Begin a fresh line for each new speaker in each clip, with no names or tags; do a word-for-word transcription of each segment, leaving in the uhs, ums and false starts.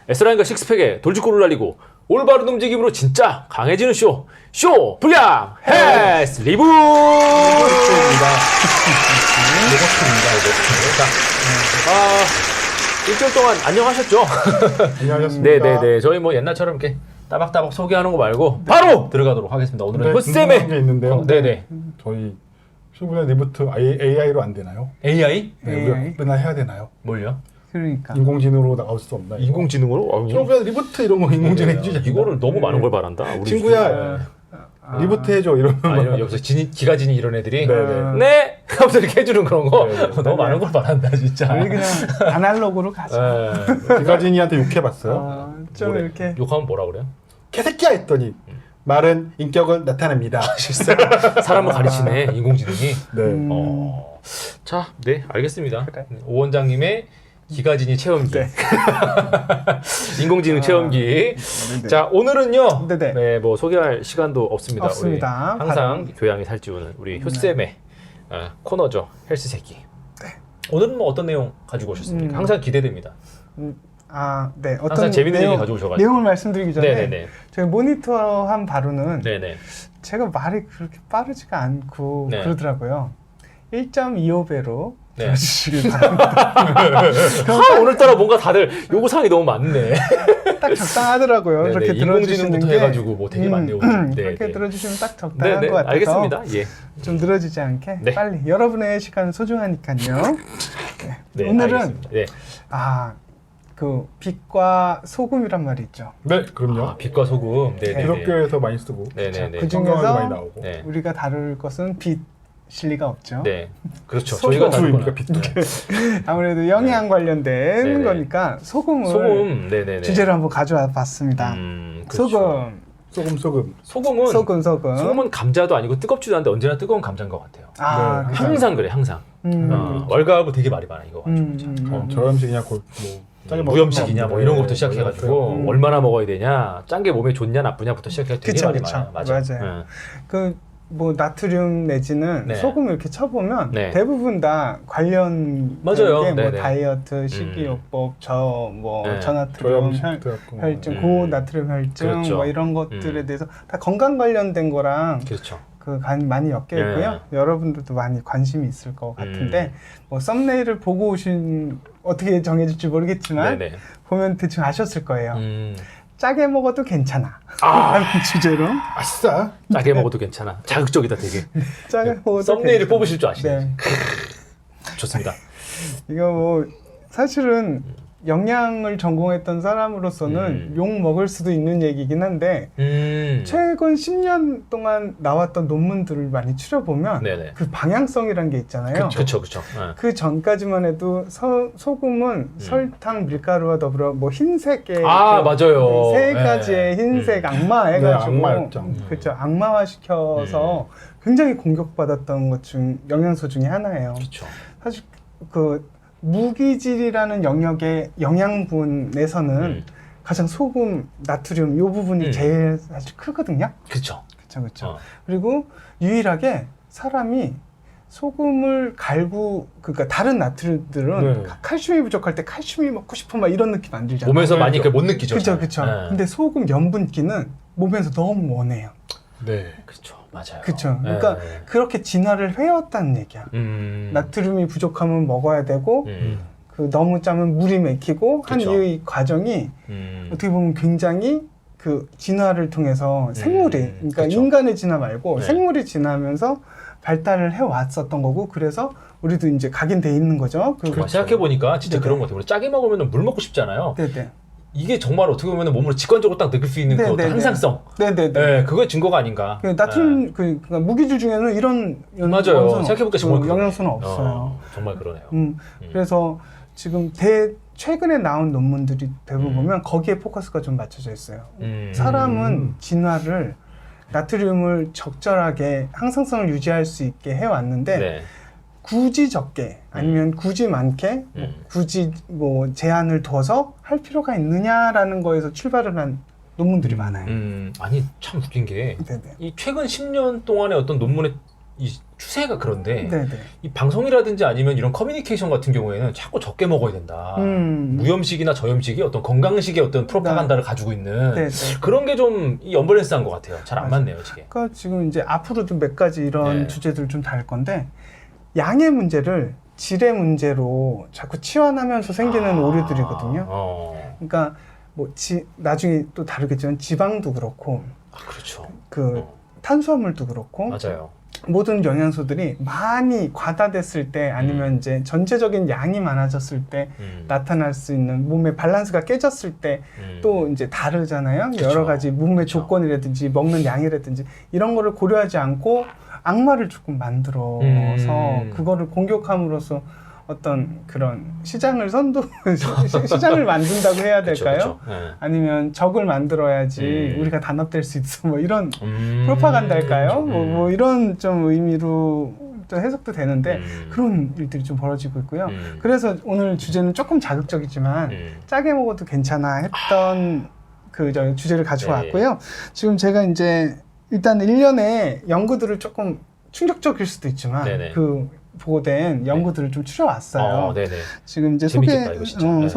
S라인과 식스팩에 돌직구를 날리고 올바른 움직임으로 진짜 강해지는 쇼! 쇼! 불량! 헬스 리브!
리버트입니다.
자, 아, 일주일 동안 안녕하셨죠?
안녕하셨습니까?
네네네. 저희 뭐 옛날처럼 이렇게 따박따박 소개하는 거 말고 바로 들어가도록 하겠습니다. 오늘은
네,
효쌤의
궁금한 게 있는데요.
어, 네네.
저희 쇼블레 리부트 에이아이로 안 되나요?
에이아이?
네,
에이아이?
우리가 맨날 해야 되나요?
뭘요?
그러니까
인공지능으로 나올 수 없나요?
인공지능으로?
쇼블레 리부트 이런 거 인공지능 해주자.
이거를 너무 많은 걸 바란다. 우리
친구야
아,
리부트 해줘 이러면
아, 이런 여기서 진이, 기가진이 이런 애들이
네네.
네! 하면서 이렇게 해주는 그런 거
네네.
너무 많은 걸 바란다 진짜.
우리 그냥 아날로그로 가자.
네.
기가진이한테 욕해봤어요.
어, 좀
뭐래?
이렇게
욕하면 뭐라 그래요?
개새끼야 했더니 말은 인격을 나타냅니다.
사람을 가르치네 인공지능이.
네.
음,
어. 자, 네 알겠습니다.
그래.
오 원장님의 기가진이 체험기.
네.
인공지능 체험기.
네네.
자 오늘은요.
네네.
네, 뭐 소개할 시간도 없습니다.
없습니다.
우리 항상
바로-
교양이 살찌우는 우리 효쌤의 어, 코너죠. 헬스 새끼. 오늘은 뭐 어떤 내용 가지고 오셨습니까?
음.
항상 기대됩니다.
음, 아, 네. 어떤
항상 재밌는
내용,
얘기 가져오셔가지고.
내용을 말씀드리기 전에
네네네.
저희 모니터한 바로는
네네.
제가 말이 그렇게 빠르지가 않고
네.
그러더라고요. 일 점 이오 배로
네.
들어주시길 바랍니다.
아, 오늘따라 뭔가 다들 요구사항이 너무 많네.
딱 적당하더라고요.
네네,
그렇게 들어주시는
인공지능부터
게
해가지고 뭐 되게 많네요.
음,
네,
그렇게
네.
들어주시면 딱 적당한
네네.
것 같아서
알겠습니다. 예.
좀 늘어지지 않게
네.
빨리 여러분의 시간 소중하니까요. 네.
네,
오늘은
알겠습니다. 네.
아, 그 빛과 소금이란 말이 있죠.
네, 그럼요.
아, 빛과 소금. 네네.
기독교에서 많이 쓰고
네네네.
그
성경에도
중에서
많이 나오고.
네.
우리가 다룰 것은 빛일 리가 없죠.
네. 그렇죠.
소금.
저희가 다룰
소금입니까,
거는
빛?
아무래도 영양 관련된
네네.
거니까 소금을
소금. 네네네.
주제로 한번 가져와 봤습니다.
음, 그렇죠.
소금,
소금 소금.
소금은
소금, 소금.
소금은 감자도 아니고 뜨겁지도 않은데 언제나 뜨거운 감자인 것 같아요.
아,
네,
그죠.
항상 그래, 항상.
음,
어, 월가하고 되게 말이 많아 이거. 가지고.
음, 음,
어,
음.
저염식이냐 고, 뭐 짜게 먹는
무염식이냐
거
뭐
없는데.
이런 것부터 시작해가지고
음.
얼마나 먹어야 되냐, 짠 게 몸에 좋냐 나쁘냐부터 시작해서 되게
그쵸,
말이
그쵸.
많아요. 맞아.
맞아요. 그 뭐 나트륨 내지는
네.
소금을 이렇게 쳐보면
네.
대부분 다 관련
맞아요.
게 뭐
네네.
다이어트, 식이요법, 저뭐
네.
저나트륨
저염식
혈,
같은 거.
혈증,
음.
고나트륨 혈증
그렇죠.
뭐 이런 것들에
음.
대해서 다 건강 관련된 거랑
그렇죠.
그 간 많이 엮여 있고요.
네.
여러분들도 많이 관심이 있을 것 같은데
음.
뭐 썸네일을 보고 오신 어떻게 정해질지 모르겠지만
네네.
보면 대충 아셨을 거예요.
음,
짜게 먹어도 괜찮아.
아.
라는 주제로
아싸.
짜게 먹어도 괜찮아. 자극적이다 되게.
짜게 먹어도
썸네일을
괜찮아.
뽑으실 줄 아시네.
네.
좋습니다.
이거 뭐 사실은 영양을 전공했던 사람으로서는
음.
욕 먹을 수도 있는 얘기긴 한데
음.
최근 십 년 동안 나왔던 논문들을 많이 추려보면
네네.
그 방향성이란 게 있잖아요.
그렇죠, 그렇죠. 네.
그 전까지만 해도 서, 소금은 설탕, 밀가루와 더불어 뭐 흰색의
아,
그
맞아요.
세
네.
가지의 흰색
음.
악마 해가지고
네, 악마였죠.
그렇죠. 악마화 시켜서 굉장히 공격받았던 것 중 영양소 중에 하나예요.
그렇죠.
사실 그 무기질이라는 영역의 영양분에서는
음.
가장 소금, 나트륨 이 부분이
음.
제일 사실 크거든요.
그렇죠.
그렇죠, 그렇죠.
어.
그리고 유일하게 사람이 소금을 갈고 그러니까 다른 나트륨들은
네.
칼슘이 부족할 때 칼슘이 먹고 싶어 막 이런 느낌 안 들잖아요.
몸에서
네,
많이
그렇죠.
그못 느끼죠.
그렇죠,
잘.
그렇죠.
네.
근데 소금 염분기는 몸에서 너무 원해요.
네.
그렇죠. 맞아요.
그렇죠. 그러니까
네.
그렇게 진화를 해왔다는 얘기야.
음.
나트륨이 부족하면 먹어야 되고
음.
그 너무 짜면 물이 맥히고 한
그쵸.
이후의 과정이
음.
어떻게 보면 굉장히 그 진화를 통해서 생물이 그러니까
그쵸.
인간의 진화 말고
네.
생물이 진화하면서 발달을 해왔었던 거고 그래서 우리도 이제 각인돼 있는 거죠. 그
정말 생각해 보니까 진짜
네네.
그런 것 같아요. 우리 짜게 먹으면 물 먹고 싶잖아요.
네네
이게 정말 어떻게 보면 몸으로 직관적으로 딱 느낄 수 있는 그
네네네.
어떤 항상성.
네네네.
네, 그거의 증거가 아닌가.
그 나트륨 그 그러니까 무기질 중에는 이런 연-
맞아요.
영양소는
생각해보니까
없-
정말
그
그러네.
영양소는 없어요.
어, 정말 그러네요.
음,
음.
그래서 지금 대 최근에 나온 논문들이 대부분
음.
보면 거기에 포커스가 좀 맞춰져 있어요.
음.
사람은 진화를 나트륨을 적절하게 항상성을 유지할 수 있게 해왔는데
네.
굳이 적게 아니면 굳이 많게 뭐
음.
굳이 뭐 제한을 둬서 할 필요가 있느냐라는 거에서 출발을 한 논문들이 많아요.
음, 아니 참 웃긴 게 이
네네.
최근 십 년 동안의 어떤 논문의 이 추세가 그런데
네네.
이 방송이라든지 아니면 이런 커뮤니케이션 같은 경우에는 자꾸 적게 먹어야 된다.
음.
무염식이나 저염식이 어떤 건강식의 어떤 프로파간다를 가지고 있는
네네.
그런 게 좀 언밸런스한 것 같아요. 잘 안 맞네요, 이게.
그러니까 지금 이제 앞으로도 몇 가지 이런
네.
주제들 좀 다룰 건데 양의 문제를 질의 문제로 자꾸 치환하면서 생기는
아,
오류들이거든요.
어.
그러니까 뭐 지, 나중에 또 다루겠지만 지방도 그렇고
아, 그렇죠.
그
어.
탄수화물도 그렇고
맞아요.
모든 영양소들이 많이 과다됐을 때 아니면
음.
이제 전체적인 양이 많아졌을 때
음.
나타날 수 있는 몸의 밸런스가 깨졌을 때 또
음.
이제 다르잖아요.
그쵸.
여러 가지 몸의
그쵸.
조건이라든지 먹는 양이라든지 이런 거를 고려하지 않고 악마를 조금 만들어서
음.
그거를 공격함으로써 어떤 그런 시장을 선도 시- 시장을 만든다고 해야
그쵸,
될까요?
그쵸. 네.
아니면 적을 만들어야지
음.
우리가 단합될 수 있어 뭐 이런
음.
프로파간다일까요?
음.
뭐, 뭐 이런 좀 의미로 좀 해석도 되는데
음.
그런 일들이 좀 벌어지고 있고요.
음.
그래서 오늘 주제는 조금 자극적이지만
음.
짜게 먹어도 괜찮아 했던 그 저 주제를 가지고
네.
왔고요. 지금 제가 이제 일단 일련의 연구들을 조금 충격적일 수도 있지만
네네.
그 보고된 연구들을 좀 추려왔어요.
어, 네네.
지금 이제 소개
재밌겠다, 이거 진짜.
어,
네.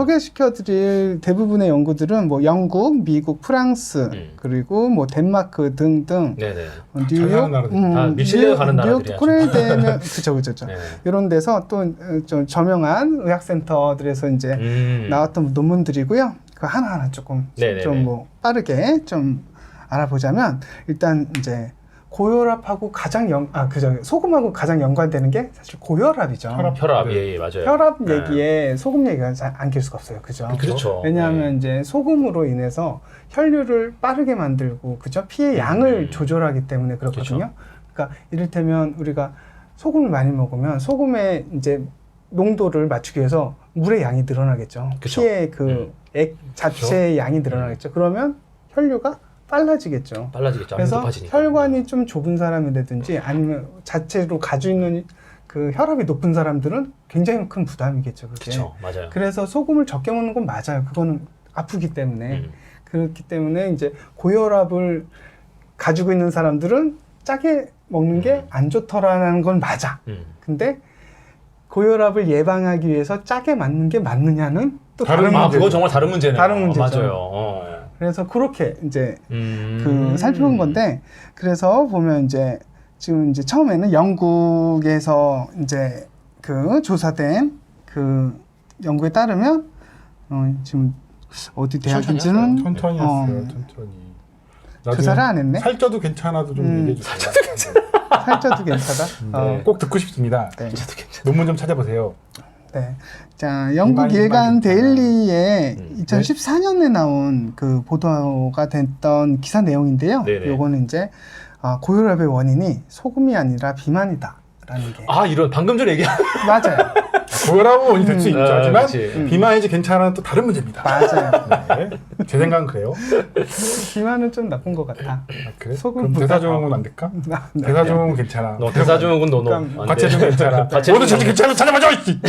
소개시켜드릴 대부분의 연구들은 뭐 영국, 미국, 프랑스
음.
그리고 뭐 덴마크 등등
네네.
어,
잘 사는 나라들.
다 밀실내에 가는
뉴욕
나라들이야,
코레일대면 그죠 그죠 그죠.
네.
이런 데서 또 좀 저명한 의학센터들에서 이제
음.
나왔던 논문들이고요. 그 하나하나 조금
네네네.
좀 뭐 빠르게 좀 알아보자면 일단 이제 고혈압하고 가장 연, 아, 그죠. 소금하고 가장 연관되는 게 사실 고혈압이죠.
혈압.
혈압,
네.
예, 예, 맞아요.
혈압
네.
얘기에 소금 얘기가 잘 안 낄 수가 없어요. 그죠?
그렇죠.
왜냐하면 이제 소금으로 인해서 혈류를 빠르게 만들고, 그죠? 피의 양을
음.
조절하기 때문에 그렇거든요. 그러니까 이를테면 우리가 소금을 많이 먹으면 소금의 이제 농도를 맞추기 위해서 물의 양이 늘어나겠죠.
그쵸.
피의 그
음.
액 자체의 양이 늘어나겠죠. 그러면 혈류가 빨라지겠죠.
빨라지겠죠.
그래서
높아지니까.
혈관이 좀 좁은 사람이라든지 아니면 자체로 가지고 있는 그 혈압이 높은 사람들은 굉장히 큰 부담이겠죠. 그게.
그렇죠. 맞아요.
그래서 소금을 적게 먹는 건 맞아요. 그거는 아프기 때문에.
음.
그렇기 때문에 이제 고혈압을 가지고 있는 사람들은 짜게 먹는 게 안 좋더라는 건 맞아.
음.
근데 고혈압을 예방하기 위해서 짜게 맞는 게 맞느냐는 또
다른
다른
아,
문제죠.
그건 정말 다른 문제네요.
다른 문제죠.
맞아요. 어.
그래서 그렇게 이제
음.
그 살펴본 건데 그래서 보면 이제 지금 이제 처음에는 영국에서 이제 그 조사된 그 연구에 따르면 어 지금 어디 대학인지는
천천히
어,
했어요. 천천히.
조사를 안 했네.
살쪄도 괜찮아도 좀
음,
얘기해 주세요. 살쪄도 괜찮아.
살쪄도 괜찮아. 어,
꼭 듣고 싶습니다.
네.
논문 좀 찾아보세요.
네. 자, 영국
일반,
일간
일반
데일리에
음.
이천십사 년에 나온 그 보도가 됐던 기사 내용인데요.
네네.
요거는 이제 아, 고혈압의 원인이 소금이 아니라 비만이다라는 게
아, 이런 방금 전에 얘기한
맞아요.
고혈압은 원인이 될 수
음.
있죠.
아,
하지만
그치.
비만이지 괜찮아는 또 다른 문제입니다.
맞아요.
네. 제 생각은 그래요.
비만은 좀 나쁜 것 같아.
아, 그래?
소금보다-
그럼 대사증후군 안 될까?
네.
대사증후군 괜찮아.
너 대사증후군 너너
그러니까
과체중 괜찮아.
과체중
모두 저도 괜찮아. 찾아봐줘. 이씨.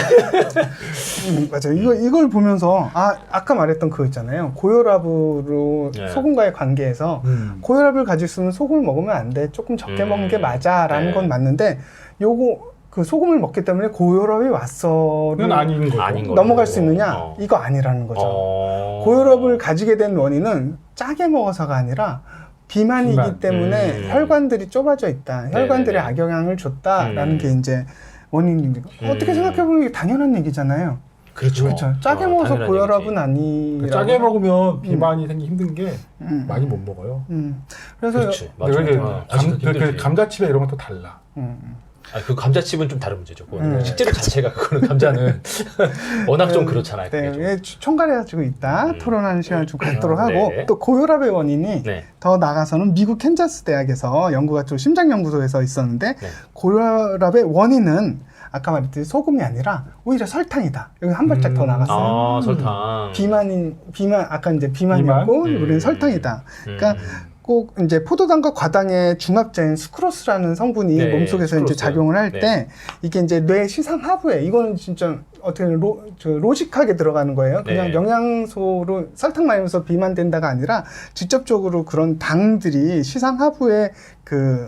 음, 맞아요. 이거 이걸 보면서 아 아까 말했던 그거 있잖아요. 고혈압으로
네.
소금과의 관계에서
음.
고혈압을 가지고 있으면 소금을 먹으면 안 돼. 조금 적게
음.
먹는 게 맞아라는
네.
건 맞는데 요거 그 소금을 먹기 때문에 고혈압이 왔어는
그건 아닌 거죠.
아닌 거.
넘어갈 수 있느냐?
어.
이거 아니라는 거죠.
어.
고혈압을 가지게 된 원인은 짜게 먹어서가 아니라 비만이기
비만.
때문에
음.
혈관들이 좁아져 있다. 혈관들에
네네네.
악영향을 줬다라는
음.
게 이제 원인입니다.
음.
어떻게 생각해보면 이게 당연한 얘기잖아요.
그렇죠.
그렇죠. 짜게
어,
먹어서
당연한
고혈압은
얘기지.
아니라
짜게 먹으면 비만이 생기 힘든 게
음.
많이 못 먹어요.
음. 그래서
그렇지.
근데
맞아요.
그게
어,
감,
아직도
그, 그
힘들지.
감자칩이나 이런 건 또 달라.
음.
아, 그 감자칩은 좀 다른 문제죠. 그거는.
음.
식재료 자체가 그거는 감자는 워낙 좀 그렇잖아요.
네,
그게 좀.
예, 총괄해가지고 있다.
음.
토론하는 시간을 좀 갖도록
아,
하고
네.
또 고혈압의 원인이
네.
더 나가서는 미국 캔자스 대학에서 연구가 좀 심장연구소에서 있었는데
네.
고혈압의 원인은 아까 말했듯이 소금이 아니라 오히려 설탕이다. 여기 한 발짝
음.
더 나갔어요.
아, 설탕.
비만인 비만 아까 이제 비만이었고
비만?
우리는
음.
설탕이다.
음.
그러니까 꼭 이제 포도당과 과당의 중합자인 수크로스라는 성분이
네,
몸속에서 이제
수크로스.
작용을 할 때
네.
이게 이제 뇌 시상 하부에 이거는 진짜 어떻게 로, 저 로직하게 들어가는 거예요. 그냥
네.
영양소로 설탕 많이 먹어서 비만된다가 아니라 직접적으로 그런 당들이 시상 하부에 그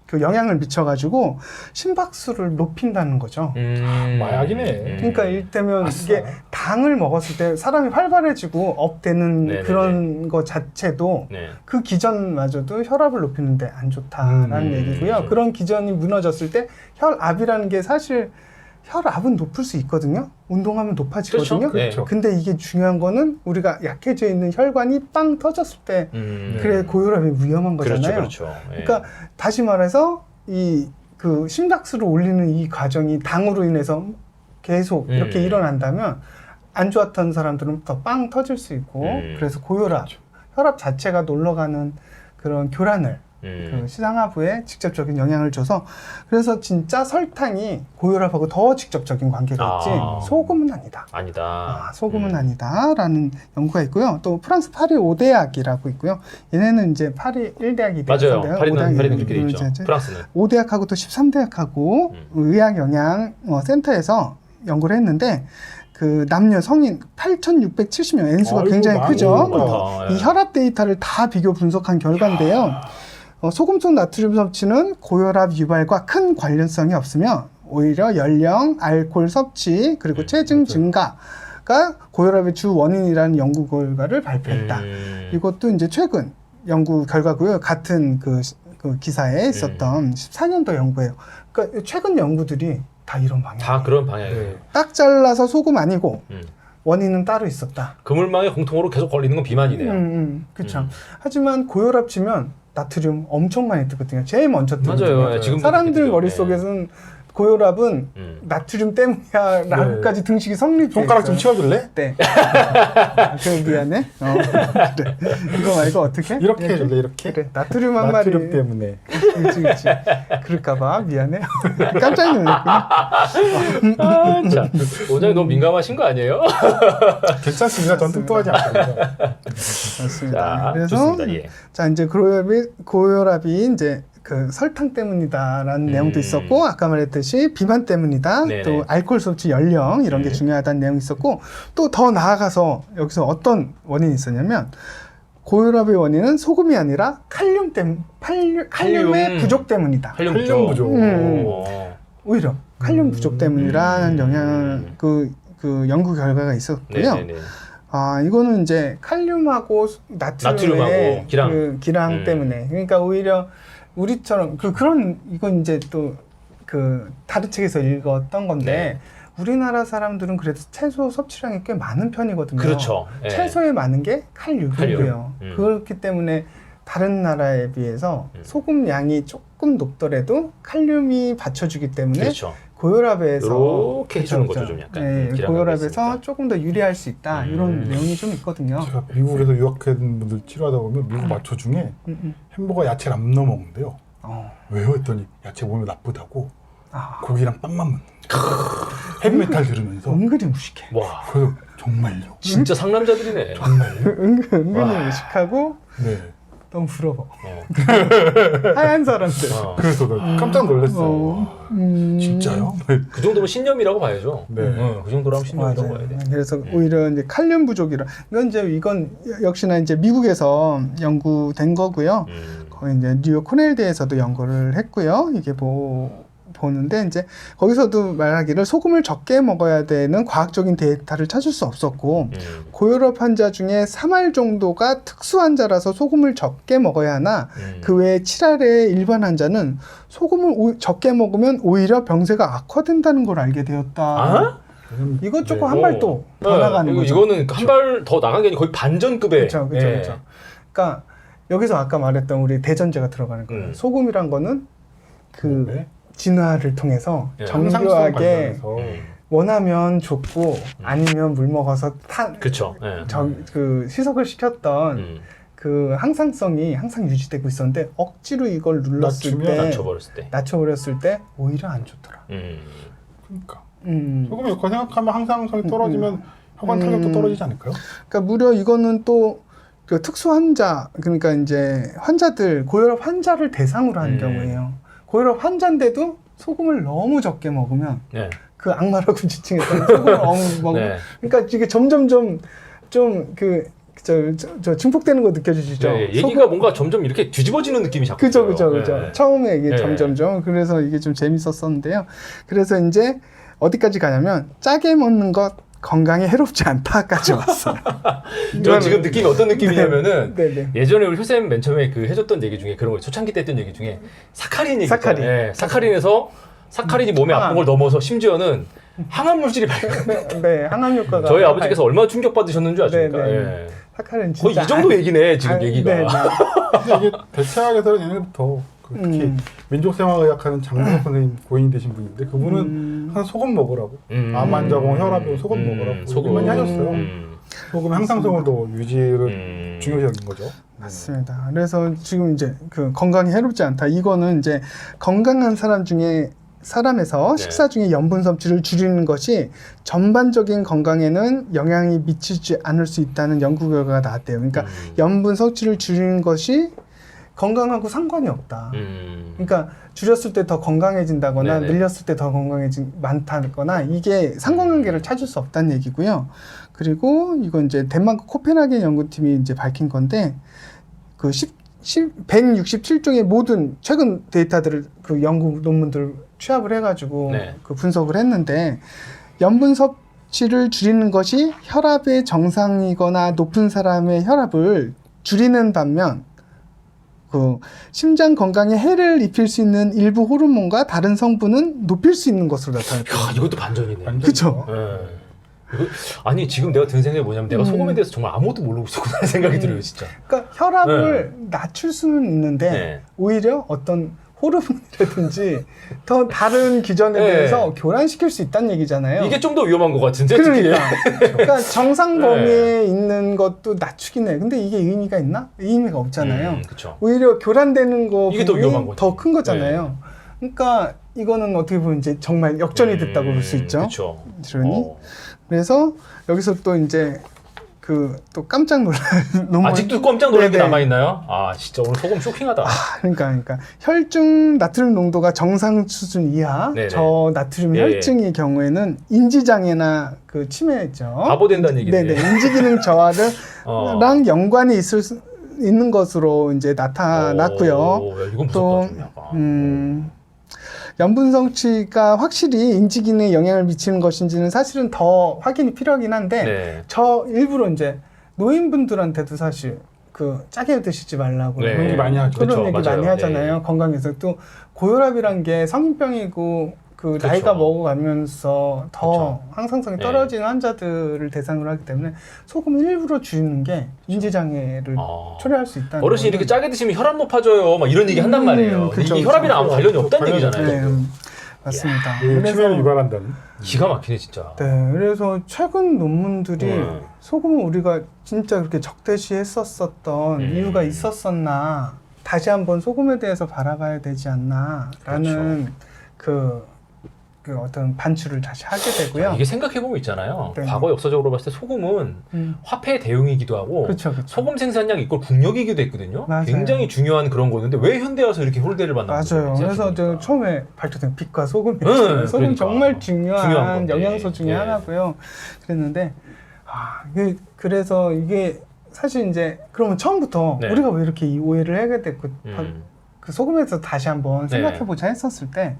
그 영향을 미쳐가지고 심박수를 높인다는 거죠.
음.
마약이네.
그러니까 일테면
아싸.
이게 당을 먹었을 때 사람이 활발해지고 업되는
네네네.
그런 거 자체도
네.
그 기전마저도 혈압을 높이는데 안 좋다라는
음,
얘기고요.
음.
그런 기전이 무너졌을 때 혈압이라는 게 사실 혈압은 높을 수 있거든요. 운동하면 높아지거든요.
그렇죠. 네.
근데 이게 중요한 거는 우리가 약해져 있는 혈관이 빵 터졌을 때
음.
그래 고혈압이 위험한 거잖아요.
그렇죠, 그렇죠. 예.
그러니까 다시 말해서 이 그 심박수를 올리는 이 과정이 당으로 인해서 계속 이렇게
음.
일어난다면 안 좋았던 사람들은 더 빵 터질 수 있고
음.
그래서 고혈압, 혈압 자체가 놀러가는 그런 교란을
음.
그 시상하부에 직접적인 영향을 줘서 그래서 진짜 설탕이 고혈압하고 더 직접적인 관계가 있지
아.
소금은 아니다.
아니다.
아, 소금은
음.
아니다라는 연구가 있고요. 또 프랑스 파리 오 대학이라고 있고요. 얘네는 이제 파리 일 대학이
맞아요. 파리는 파리는 그렇게 돼 있죠. 프랑스는.
오 대학하고 또 십삼 대학하고
음.
의학 영양 어, 센터에서 연구를 했는데 그 남녀 성인 팔천육백칠십 명 N수가
아이고,
굉장히
많이
크죠.
많다.
이
예.
혈압 데이터를 다 비교 분석한 결과인데요. 어, 소금 속 나트륨 섭취는 고혈압 유발과 큰 관련성이 없으며 오히려 연령, 알코올 섭취 그리고
음,
체중
맞아요.
증가가 고혈압의 주 원인이라는 연구 결과를 발표했다.
음.
이것도 이제 최근 연구 결과고요. 같은 그, 시- 그 기사에 있었던 십사 년도 연구예요. 그러니까 최근 연구들이 다 이런 방향.
다 그런 방향이에요.
네.
딱 잘라서 소금 아니고
음.
원인은 따로 있었다.
그물망에 공통으로 계속 걸리는 건 비만이네요.
음, 음, 그렇죠.
음.
하지만 고혈압 치면 나트륨 엄청 많이 뜨거든요. 제일 먼저 뜨거든요.
맞아요. 예, 지금도
사람들
그렇게 뜨죠.
머릿속에서는 고혈압은
음.
나트륨 때문이야 라고까지 등식이 성립돼
손가락 좀
있어요.
치워줄래?
네. 그 미안해. 어. 그래. 이거 말고 어떻게?
이렇게 해줄래? 이렇게?
그래. 나트륨 한 마리.
나트륨 때문에.
그렇지, 그렇지. 그럴까봐 미안해. 깜짝 놀랐구나.
아, 자, 원장님 너무 민감하신 거 아니에요?
괜찮습니다. 전 뚱뚱하지 않거든요.
맞습니다.
자,
그래서
좋습니다. 예.
자 이제 고혈압이 고혈압이 이제 그 설탕 때문이다라는
음.
내용도 있었고 아까 말했듯이 비만 때문이다.
네네.
또 알코올 섭취 연령 이런 게
음.
중요하다는 내용이 있었고 또 더 나아가서 여기서 어떤 원인이 있었냐면 고혈압의 원인은 소금이 아니라 칼륨 때문 칼륨, 칼륨의
칼륨.
부족 때문이다.
칼륨
칼륨 부족.
음.
오.
오히려 칼륨
음.
부족 때문이라는
음.
영향을 그, 그 연구 결과가 있었고요.
네네네.
아 이거는 이제 칼륨하고 나트륨의
나트륨하고 기랑.
그 기랑
음.
때문에 그러니까 오히려 우리처럼 그 그런 이건 이제 또 그 다른 책에서 읽었던 건데 우리나라 사람들은 그래도 채소 섭취량이 꽤 많은 편이거든요.
그렇죠. 예.
채소에 많은 게 칼륨이고요.
칼륨. 음.
그렇기 때문에 다른 나라에 비해서
음.
소금 양이 조금 높더라도 칼륨이 받쳐주기 때문에
그렇죠.
고혈압에서
요렇게 해주는
그렇죠,
거죠, 좀 약간.
네,
기량감이
고혈압에서
있으니까.
조금 더 유리할 수 있다
음.
이런 내용이 좀 있거든요.
제가 미국에서 유학한 분들 치료하다 보면 미국 마초 중에
음, 음.
햄버거 야채를 안 넣어 먹는데요.
어.
왜요? 했더니 야채 몸에 나쁘다고
아,
고기랑 빵만 먹는 헤비메탈 들으면서
은근히 무식해.
와,
그래서 정말요?
진짜 상남자들이네.
정말요?
은근, 은근히
와.
무식하고
네.
너무 부러워.
어.
하얀 사람들.
어.
그래서 나 깜짝 놀랐어요.
어, 음.
진짜요?
그 정도면 신념이라고 봐야죠.
네.
어, 그 정도라면 신념이라고
맞아요.
봐야 돼.
그래서
음.
오히려 이제 칼륨 부족이라 이건 이제 이건 역시나 이제 미국에서 연구된 거고요.
음.
거기 이제 뉴욕 코넬대에서도 연구를 했고요. 이게 뭐 보는데 이제 거기서도 말하기를 소금을 적게 먹어야 되는 과학적인 데이터를 찾을 수 없었고
음.
고혈압 환자 중에 삼 할 정도가 특수 환자라서 소금을 적게 먹어야 하나
음.
그 외에 칠 할의 일반 환자는 소금을 오, 적게 먹으면 오히려 병세가 악화된다는 걸 알게 되었다.
아?
이거 조금
네.
한 발 또 더
네,
나가는
이거,
거죠.
이거는 한 발 더 나간 게 아니라 거의 반전급의.
그렇죠, 그렇죠,
예.
그렇죠. 그러니까 여기서 아까 말했던 우리 대전제가 들어가는 거예요.
음.
소금이란 거는 그
네.
진화를 통해서
예.
항상성
정교하게
관련해서
음.
원하면 좋고 아니면 물 먹어서 타,
그쵸. 예.
저, 그 희석을 시켰던
음.
그 항상성이 항상 유지되고 있었는데 억지로 이걸 눌렀을
낮추면
때
낮춰버렸을 때.
낮춰버렸을 때 오히려 안 좋더라.
음.
그러니까
음.
소금이 그거 생각하면 항상성이 떨어지면 혈관 탄력도
음.
떨어지지 않을까요?
그러니까 무려 이거는 또 그 특수 환자 그러니까 이제 환자들 고혈압 환자를 대상으로 한
음.
경우에요. 고혈압 환자인데도 소금을 너무 적게 먹으면
네.
그 악마라고 지칭했던 소금을 너무 먹으면
네.
그러니까 이게 점점점 좀 그 저, 저, 저 증폭되는 거 느껴지시죠?
네, 얘기가
소금-
뭔가 점점 이렇게 뒤집어지는 느낌이 자꾸
그죠,
들어요.
그죠, 그죠.
네.
처음에 이게
네.
점점점. 그래서 이게 좀 재밌었었는데요. 그래서 이제 어디까지 가냐면 짜게 먹는 것 건강에 해롭지 않다까지 왔어요.
저 지금 느낌이 어떤 느낌이냐면은
네네.
예전에 우리 효쌤 맨 처음에 그 해줬던 얘기 중에 그런 거 초창기 때 했던 얘기 중에 사카린 얘기
사카린.
있잖아요. 예, 사카린에서 사카린이 몸에
항암.
아픈 걸 넘어서 심지어는 항암 물질이 발견.
네, 네, 항암 효과가.
저희 아버지께서 얼마나 충격 받으셨는 줄 아십니까?
네, 네.
예.
사카린
거의
진짜.
이 정도 얘기네 지금
아,
얘기가.
네, 네.
근데 이게 대체학에서는 예전부터 그 특히
음.
민족생활의학하는 장국 선생님 고인 되신 분인데 그분은
음.
항상 소금 먹으라고
음.
암 환자고 혈압이 소금
음.
먹으라고
소금
많이 하셨어요.
음.
소금 항상성을 더 유지를
음.
중요시하는 거죠.
맞습니다. 그래서 지금 이제 그 건강에 해롭지 않다. 이거는 이제 건강한 사람 중에 사람에서
네.
식사 중에 염분 섭취를 줄이는 것이 전반적인 건강에는 영향이 미치지 않을 수 있다는 연구 결과가 나왔대요. 그러니까
음.
염분 섭취를 줄이는 것이 건강하고 상관이 없다.
음.
그러니까 줄였을 때 더 건강해진다거나
네네.
늘렸을 때 더 건강해진 많다거나 이게 상관관계를 찾을 수 없다는 얘기고요. 그리고 이건 이제 덴마크 코펜하겐 연구팀이 이제 밝힌 건데 그 십, 십, 백육십칠 종의 모든 최근 데이터들을 그 연구 논문들을 취합을 해가지고
네.
그 분석을 했는데 염분 섭취를 줄이는 것이 혈압의 정상이거나 높은 사람의 혈압을 줄이는 반면 그 심장 건강에 해를 입힐 수 있는 일부 호르몬과 다른 성분은 높일 수 있는 것으로 나타났대요.
야, 이것도 반전이네.
완전
그쵸?
예. 이거- 아니 지금 내가 든 생각이 뭐냐면 내가
음.
소금에 대해서 정말 아무것도 모르고 있었구나 하는 생각이
음.
들어요 진짜.
그러니까 혈압을 낮출 수는 있는데
네. 오히려
오히려 어떤 호르몬이라든지 더 다른 기전에
네.
대해서 교란시킬 수 있다는 얘기잖아요.
이게 좀 더 위험한 것 같은데 특히.
그러니까, 그러니까 정상
네.
범위에 있는 것도 낮추긴 해. 근데 이게 의미가 있나? 의미가 없잖아요.
음, 그렇죠.
오히려 교란되는 거
이게 더 위험한 거지.
더 큰 거잖아요. 그러니까 이거는 어떻게 보면 이제 정말 역전이 됐다고 볼 수 있죠.
그렇죠.
그러니 그래서 여기서 또 이제 그 또 깜짝 놀랄 논문
아직도 깜짝 놀란 게
네네.
남아 있나요? 아 진짜 오늘 소금 쇼킹하다.
아, 그러니까 그러니까 혈중 나트륨 농도가 정상 수준 이하
네네.
저 나트륨
예,
혈증의 경우에는 인지 장애나 그 치매죠.
바보 된다는 얘기네.
네네 인지 기능 저하랑
어.
연관이 있을 수 있는 것으로 이제 나타났고요.
오, 야, 이건 무섭다
또
좀 약간.
음, 염분 섭취가 확실히 인지 기능에 영향을 미치는 것인지는 사실은 더 확인이 필요하긴 한데
네.
저 일부러 이제 노인분들한테도 사실 그 짜게 드시지 말라고
네.
그런 얘기 많이 하죠.
그런
그쵸,
얘기
맞아요.
많이 하잖아요.
네.
건강에서 또 고혈압이란 게 성인병이고 그
그쵸.
나이가 먹어가면서 더
그쵸.
항상성이
네.
떨어지는 환자들을 대상으로 하기 때문에 소금 일부러 줄이는 게 인지 장애를
아.
초래할 수 있다는
어르신이 이렇게
거는
짜게 드시면 혈압 높아져요. 막 이런 얘기 한단
음,
말이에요.
그쵸,
이게
그쵸.
혈압이랑 아무 관련이 없다는
관련이
얘기잖아요.
네, 음, 맞습니다.
이게 치매를 유발한다는.
기가 막히네 진짜.
네, 그래서 최근 논문들이
음.
소금을 우리가 진짜 그렇게 적대시했었었던
음.
이유가 있었었나 다시 한번 소금에 대해서 바라봐야 되지 않나라는 그, 그 어떤 반추를 다시 하게 되고요.
이게 생각해보면 있잖아요.
네.
과거 역사적으로 봤을 때 소금은
음,
화폐 대용이기도 하고
그렇죠, 그렇죠.
소금 생산량 이꼴 국력이기도 했거든요.
맞아요.
굉장히 중요한 그런 거였는데 왜 현대 와서 이렇게 홀대를 받는 거죠?
맞아요. 그래서 저 처음에 발표된 빛과 소금이
네,
소금
그러니까.
정말 중요한,
중요한 건데.
영양소 중에
예.
하나고요. 그랬는데 아, 이게 그래서 이게 사실 이제 그러면 처음부터
네.
우리가 왜 이렇게 이 오해를 하게 됐고
음.
그 소금에서 다시 한번
네.
생각해보자 했었을 때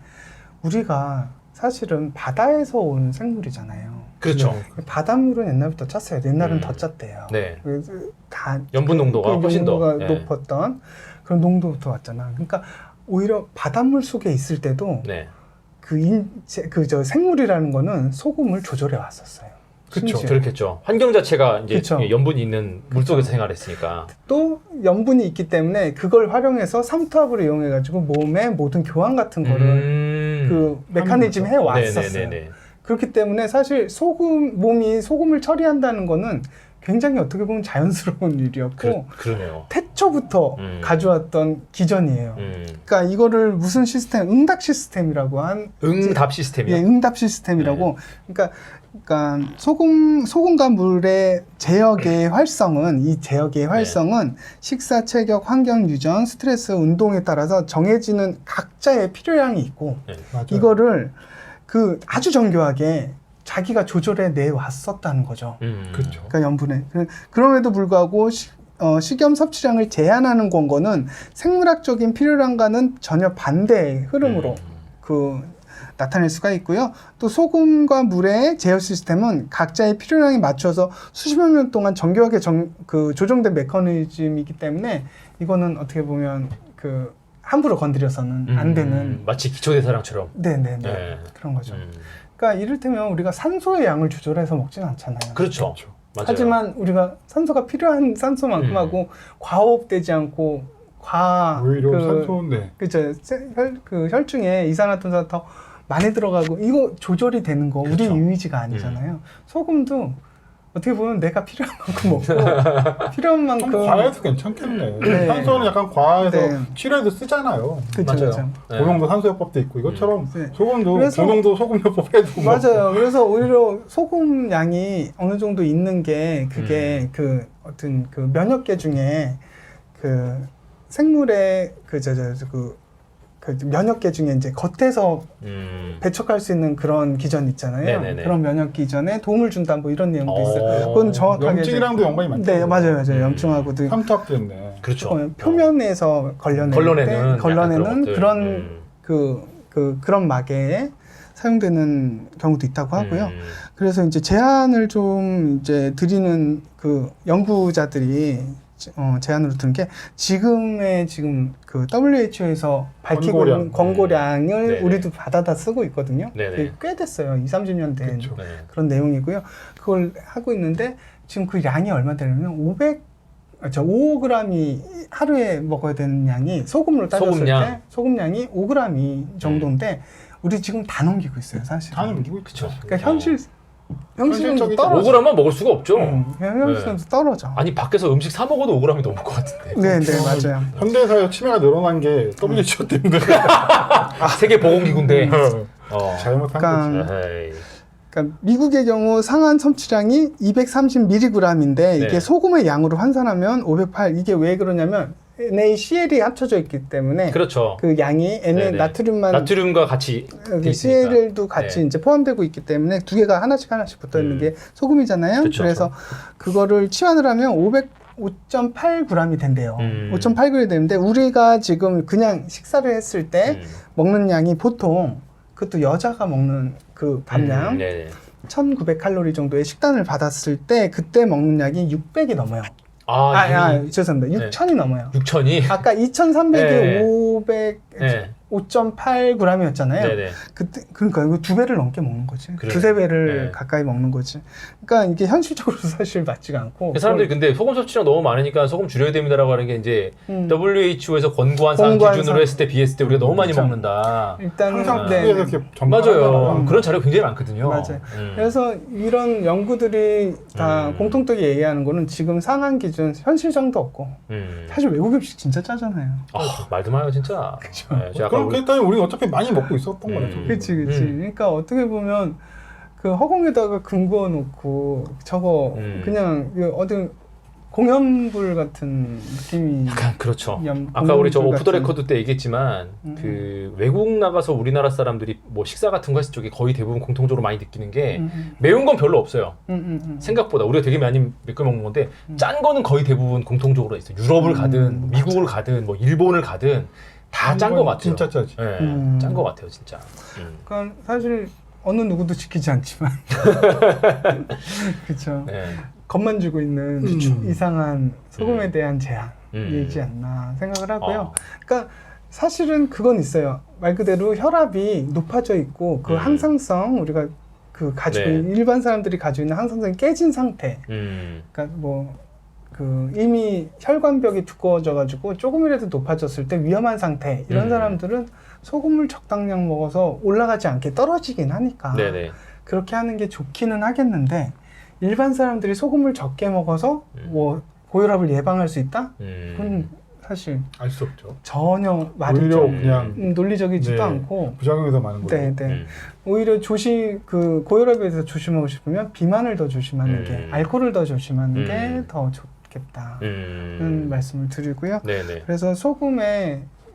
우리가 사실은 바다에서 온 생물이잖아요.
그렇죠.
바닷물은 옛날부터 짰어요. 옛날은
음.
더 짰대요.
네.
그래서 다
염분 농도가
그
훨씬 더
농도가
네.
높았던 그런 농도부터 왔잖아. 그러니까 오히려 바닷물 속에 있을 때도
네.
그 인체 그 저 생물이라는 거는 소금을 조절해 왔었어요.
그렇죠.
심지어.
그렇겠죠. 환경 자체가 이제
그쵸.
염분이 있는 물 속에서 생활했으니까.
또 염분이 있기 때문에 그걸 활용해서 삼투압을 이용해 가지고 몸의 모든 교환 같은 거를
음.
그 메커니즘 해 왔었어요.
네네네네.
그렇기 때문에 사실 소금 몸이 소금을 처리한다는 거는 굉장히 어떻게 보면 자연스러운 일이었고
그, 그러네요.
태초부터
음.
가져왔던 기전이에요.
음.
그러니까 이거를 무슨 시스템, 응답 시스템이라고 한
응답
예,
시스템이요.
응답 시스템이라고. 그러니까, 그러니까 소금 소금과 물의 제역의 활성은 이 제역의 활성은 식사, 체격, 환경 유전, 스트레스, 운동에 따라서 정해지는 각자의 필요량이 있고
네.
맞아요.
이거를 그 아주 정교하게 자기가 조절해 내 왔었다는 거죠.
음.
그렇죠.
그러니까 염분에. 그- 그럼에도 불구하고 시, 어, 식염 섭취량을 제한하는 권고는 생물학적인 필요량과는 전혀 반대의 흐름으로
음.
그 나타낼 수가 있고요. 또 소금과 물의 제어 시스템은 각자의 필요량에 맞춰서 수십여 년 동안 정교하게 정, 그 조정된 메커니즘이기 때문에 이거는 어떻게 보면 그 함부로 건드려서는 안 되는.
음. 마치 기초대사량처럼.
네네네.
네.
그런 거죠.
음.
그러니까 이를테면 우리가 산소의 양을 조절해서 먹진 않잖아요.
그렇죠.
그렇죠.
맞아요.
하지만 우리가 산소가 필요한 산소만큼
음.
하고 과호흡되지 않고 과
오히려
그,
산소인데
그죠 혈, 그 혈중에 이산화탄소가 더 많이 들어가고 이거 조절이 되는 거
그쵸.
우리 이미지가 아니잖아요. 소금도 어떻게 보면 내가 필요한 만큼 먹고 필요한
좀
만큼
과해도 괜찮겠네.
네.
산소는 약간 과해서
네.
치료에도 쓰잖아요.
그쵸,
맞아요.
그쵸.
네.
고농도 산소요법도 있고 이것처럼
네.
소금도
그래서-
고농도 소금요법 해도 뭐
맞아요. 그래서 오히려 소금 양이 어느 정도 있는 게 그게
음.
그 어떤 그 면역계 중에 그 생물의 그저저그 그 면역계 중에 이제 겉에서
음.
배척할 수 있는 그런 기전 있잖아요.
네네네.
그런 면역 기전에 도움을 준다 뭐 이런 내용도
어.
있어요. 그건 정확하게
염증이랑도
이제-
연관이 많죠.
네, 맞아요, 맞아요.
음.
염증하고도
삼투압됐네.
그렇죠.
어, 표면에서 걸려내는
걸러내는
때
약간
걸러내는
그런 것들.
그런
음.
그, 그 그런 막에 사용되는 경우도 있다고 하고요.
음.
그래서 이제 제안을 좀 이제 드리는 그 연구자들이 어, 제안으로 드는 게 지금의 지금 그 더블유에이치오에서 밝히고
권고량.
있는 권고량을
네네.
우리도 받아다 쓰고 있거든요.
네네.
그게 꽤 됐어요. 이삼십 년 된
그쵸.
네.
그런 내용이고요. 그걸 하고 있는데 지금 그 양이 얼마 되냐면 오백 아, 저 오 그램이 하루에 먹어야 되는 양이 소금으로 따졌을
소금량.
때 소금량이 오 그램 정도인데 우리 지금 다 넘기고 있어요, 사실.
다 넘기고
그쵸.
있죠.
그러니까 현실 현실은
현실적이죠.
떨어져.
오 그램만 먹을 수가 없죠.
음, 현실은 떨어져.
아니 밖에서 음식 사 먹어도 오 그램이 넘을 것 같은데.
네, 네, 맞아요.
현대사회 치매가 늘어난 게 더블유에이치오 때문에
세계 보건기구인데. 어.
잘못한
그러니까-
거지.
에이.
그러니까 미국의 경우 상한 섭취량이 이백삼십 밀리그램인데 이게
네.
소금의 양으로 환산하면 오백팔. 이게 왜 그러냐면 엔에이씨엘이 합쳐져 있기 때문에
그렇죠.
그 양이 N
네네.
나트륨만
나트륨과 같이 돼
그
있으니까.
씨엘도 같이
네.
이제 포함되고 있기 때문에 두 개가 하나씩 하나씩 붙어 있는
음.
게 소금이잖아요.
그쵸.
그래서 그거를 치환을 하면 오백 오 점 팔 그램이 된대요.
음.
오 점 팔 그램이 되는데 우리가 지금 그냥 식사를 했을 때
음.
먹는 양이 보통 그것도 여자가 먹는 그 밥량
음, 네네.
천구백 칼로리 정도의 식단을 받았을 때 그때 먹는 약이 육백이 넘어요.
아,
아, 아,
아
죄송합니다.
네.
육천이 넘어요.
육천이.
아까 이천삼백이
네.
오백
네.
오 점 팔 그램이었잖아요.
네네.
그때 그러니까 이거 두 배를 넘게 먹는 거지.
그래요.
두세 배를
네.
가까이 먹는 거지. 그러니까 이게 현실적으로 사실 맞지가 않고.
사람들이 근데 소금 섭취량 너무 많으니까 소금 줄여야 됩니다라고 하는 게 이제
음.
더블유에이치오에서 권고한 사항
권고한
기준으로
사항.
했을 때 비했을 때 우리가 너무 많이
그렇죠.
먹는다.
일단은
항상
네,
TV에서
네.
이렇게 전파를
맞아요.
하잖아요.
그런 자료가 굉장히 많거든요.
맞아요.
음.
그래서 이런 연구들이 다
음.
공통되게 얘기하는 거는 지금 상한 기준 현실성도 없고
음.
사실 외국 음식 진짜 짜잖아요.
아, 말도 마요 진짜. 네, 제가 아까
그럼
우리-
그랬더니 우리는 어차피 많이 먹고 있었던
음.
거네. 저기.
그치 그치.
음.
그러니까 어떻게 보면 그 허공에다가 금 그어 놓고 저거
음.
그냥 그 어디 공연불 같은 느낌이.
약간 그렇죠.
연-
아까 우리 저
공연불
오프 더
같은.
레코드 때 얘기했지만
음.
그 외국 나가서 우리나라 사람들이 뭐 식사 같은 거 했을 적에 거의 대부분 공통적으로 많이 느끼는 게
음, 음.
매운 건 별로 없어요.
음, 음, 음.
생각보다 우리가 되게 많이 몇 개 먹는 건데 짠 거는 거의 대부분 공통적으로 있어요. 유럽을
음,
가든 뭐 미국을 가든 뭐 일본을 가든 다 짠 거 같아요.
진짜 짜지.
예,
음.
짠 거 같아요, 진짜. 음.
그러니까 사실 어느 누구도 지키지 않지만 그렇죠.
네.
겁만 주고 있는
그쵸.
이상한 소금에
음.
대한 제한이지
음.
않나 생각을 하고요.
어.
그러니까 사실은 그건 있어요. 말 그대로 혈압이 높아져 있고 그
음.
항상성 우리가 그 가지고
네.
있는 일반 사람들이 가지고 있는 항상성이 깨진 상태.
음.
그러니까 뭐 그 이미 혈관벽이 두꺼워져 가지고 조금이라도 높아졌을 때 위험한 상태. 이런
음.
사람들은 소금을 적당량 먹어서 올라가지 않게 떨어지긴 하니까
네네.
그렇게 하는 게 좋기는 하겠는데 일반 사람들이 소금을 적게 먹어서
음.
뭐 고혈압을 예방할 수 있다?
음.
그건 사실
알 수 없죠.
전혀 말이
오히려
좀
그냥
음, 논리적이지도
네.
않고
부작용이 더 많은 거죠.
네, 네.
음.
오히려 조심 그 고혈압에 대해서 조심하고 싶으면 비만을 더 조심하는
음.
게 알코올을 더 조심하는
음.
게 더 좋겠다는
음.
말씀을 드리고요.
네네.
그래서 소금에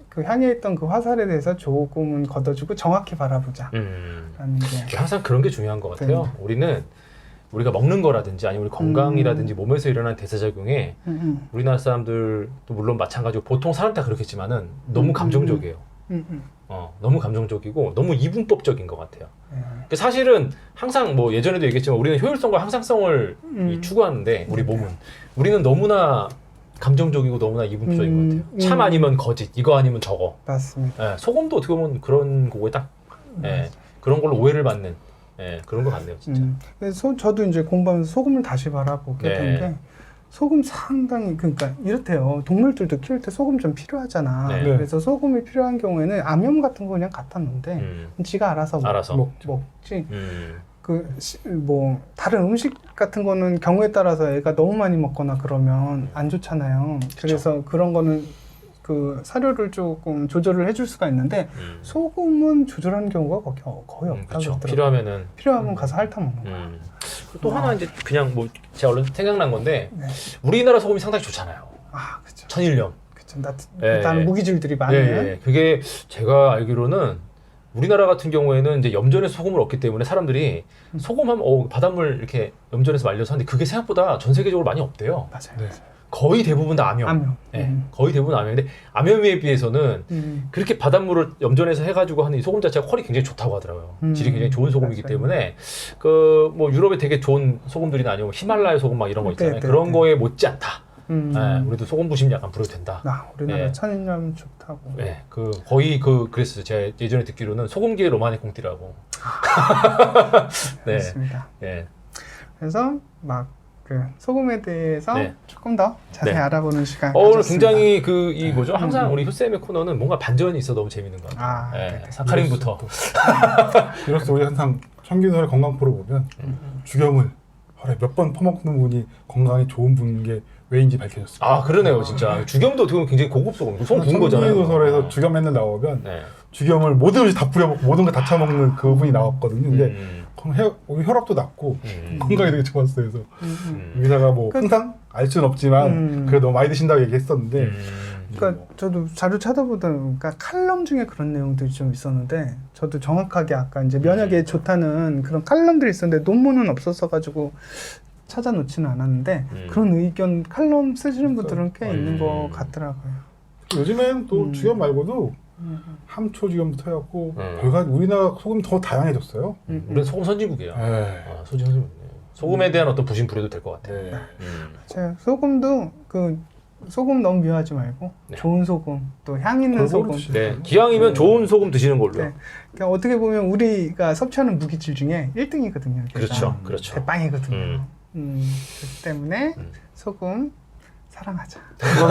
그 향해 있던 그 화살에 대해서 조금은 걷어주고 정확히 바라보자.
음.
라는 게.
항상 그런 게 중요한 것 같아요.
네.
우리는 우리가 먹는 거라든지 아니면 우리 건강이라든지 몸에서 일어나는 대사작용에
음, 음,
우리나라 사람들도 물론 마찬가지고 보통 사람 다 그렇겠지만은 너무
음,
감정적이에요.
음, 음.
어, 너무 감정적이고 너무 이분법적인 것 같아요.
네.
근데 사실은 항상 뭐 예전에도 얘기했지만 우리는 효율성과 항상성을
음.
이 추구하는데 우리 몸은 우리는 너무나 감정적이고 너무나 이분법적인
음,
것 같아요. 참
음.
아니면 거짓, 이거 아니면 저거.
맞습니다.
예, 소금도 어떻게 보면 그런 거에 딱 예, 그런 걸로 오해를 받는 예, 그런 것 같네요, 진짜.
음. 그래서 저도 이제 공부하면서 소금을 다시 바라보게
네.
된 게 소금 상당히 그러니까 이렇대요. 동물들도 키울 때 소금 좀 필요하잖아.
네.
네.
그래서 소금이 필요한 경우에는 암염 같은 거 그냥 갖다 놓는데
음,
지가 알아서, 먹-
알아서.
먹, 먹지.
음,
그 뭐 다른 음식 같은 거는 경우에 따라서 애가 너무 많이 먹거나 그러면 안 좋잖아요. 그래서 그런 거는 그 사료를 조금 조절을 해줄 수가 있는데
음,
소금은 조절하는 경우가 거의, 어- 거의
음,
없다
그렇죠.
그러더라고요.
필요하면은
필요하면 가서 핥아 먹는 거야.
음. 또 하나 이제 그냥 뭐 제가 얼른 생각난 건데
네.
우리나라 소금이 상당히 좋잖아요.
아, 그렇죠.
천일염.
그쵸. 나,
예,
일단
예.
무기질들이
예,
많아요.
예. 그게 제가 알기로는 우리나라 같은 경우에는 이제 염전에서 소금을 얻기 때문에 사람들이
음.
소금하면 어, 바닷물 이렇게 염전에서 말려서 하는데 그게 생각보다 전 세계적으로 많이 없대요.
맞아요.
네.
거의 대부분 다 암염.
암염.
예,
음.
거의 대부분 암염인데 암염에 비해서는
음.
그렇게 바닷물을 염전해서 해가지고 하는 이 소금 자체가 퀄이 굉장히 좋다고 하더라고요.
음.
질이 굉장히 좋은 소금이기
맞아요.
때문에 그 뭐 유럽에 되게 좋은 소금들이나 아니면 히말라야 소금 막 이런 거 있잖아요.
네, 네,
그런
네.
거에 못지 않다.
음.
예, 우리도 소금 부심 약간 부려도 된다.
나 우리나라
예.
천일염 좋다고.
네, 그 거의 그 그랬어요. 제가 예전에 듣기로는 소금계의 로마네 콩띠라고. 네,
그렇습니다.
예,
그래서 막 그 소금에 대해서
네.
조금 더 자세히
네.
알아보는 시간.
어, 오늘
가졌습니다.
굉장히 그 이 뭐죠?
음,
항상
음.
우리 효쌤의 코너는 뭔가 반전이 있어 너무 재밌는 것 같아요.
아,
예,
네네.
사카린부터.
이로써 우리 항상 청균설의 건강포를 보면 죽염을 하루에 몇 번 퍼먹는 분이 건강에 좋은 분인 게 왜인지 밝혀졌습니다.
아, 그러네요, 진짜. 죽염도 어떻게 보면 굉장히 고급 소금, 소금 부은 거잖아요.
청균설에서
어.
죽염 맨날 나오면
네.
죽염을 모든 음식 다 뿌려먹고 모든 걸 다 처먹는 그분이 나왔거든요. 근데
음,
그럼 혈, 우리 혈압도 낮고
음,
건강에 되게 좋았어요. 그래서
음, 음.
음,
의사가 뭐
그-
항상 알 수는 없지만
음.
그래도 너무 많이 드신다고 얘기했었는데
음.
그러니까 저도 자료 찾아보다 보니까 칼럼 중에 그런 내용들이 좀 있었는데 저도 정확하게 아까 이제 면역에 좋다는 그런 칼럼들이 있었는데 논문은 없었어 가지고 찾아놓지는 않았는데
음.
그런 의견 칼럼 쓰시는 분들은 꽤
음.
있는 것 같더라고요.
요즘엔 또
음.
죽염 말고도
음.
함초 죽염부터 해갖고
음.
별가 우리나라 소금 더 다양해졌어요.
음.
우리는 소금 선진국이에요.
네.
아, 소금 선진국이에요. 소금에 대한 어떤 부심 부려도 될 것 같아요.
네.
음.
제가 소금도 그 소금 너무 미워하지 말고
네.
좋은 소금 또 향 있는
골고루
소금.
드시죠.
네, 기왕이면 좋은 소금 드시는 걸로요.
네. 그러니까 어떻게 보면 우리가 섭취하는 무기질 중에 일 등이거든요.
그렇죠, 그렇죠.
대빵이거든요.
음.
음, 그렇기 때문에
음.
소금 사랑하자.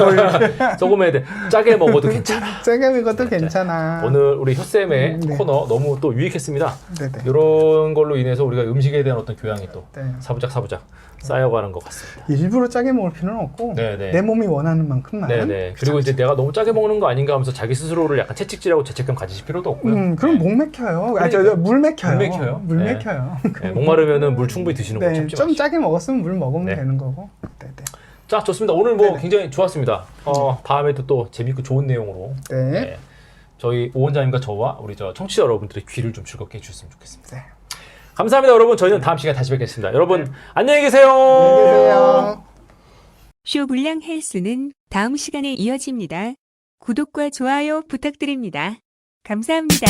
소금에 대해 짜게 먹어도 괜찮아.
짜게 먹어도
네.
괜찮아.
오늘 우리 효쌤의
음, 네.
코너 너무 또 유익했습니다.
네네.
이런 걸로 인해서 우리가 음식에 대한 어떤 교양이 또
네.
사부작 사부작 쌓여가는 것 같습니다.
일부러 짜게 먹을 필요는 없고
네네.
내 몸이 원하는 만큼만.
네네. 그리고 이제 내가 너무 짜게 먹는 거 아닌가 하면서 자기 스스로를 약간 채찍질하고 죄책감 가지실 필요도 없고요.
음, 그럼
네.
목 맥혀요. 아, 저, 저, 물 맥혀요.
물 맥혀요?
물
네.
맥혀요.
네, 목마르면은 물 충분히 드시는 거
네,
참지
좀
마시고.
짜게 먹었으면 물 먹으면
네.
되는 거고. 네네.
자, 좋습니다. 오늘 뭐
네네.
굉장히 좋았습니다. 어, 다음에도 또 재밌고 좋은 내용으로
네.
네, 저희 오 원장님과 저와 우리 저 청취자 여러분들의 귀를 좀 즐겁게 해주셨으면 좋겠습니다.
네.
감사합니다, 여러분. 저희는 다음 시간에 다시 뵙겠습니다. 여러분 안녕히 계세요.
안녕히 계세요.
쇼불량 헬스는 다음 시간에 이어집니다. 구독과 좋아요 부탁드립니다. 감사합니다.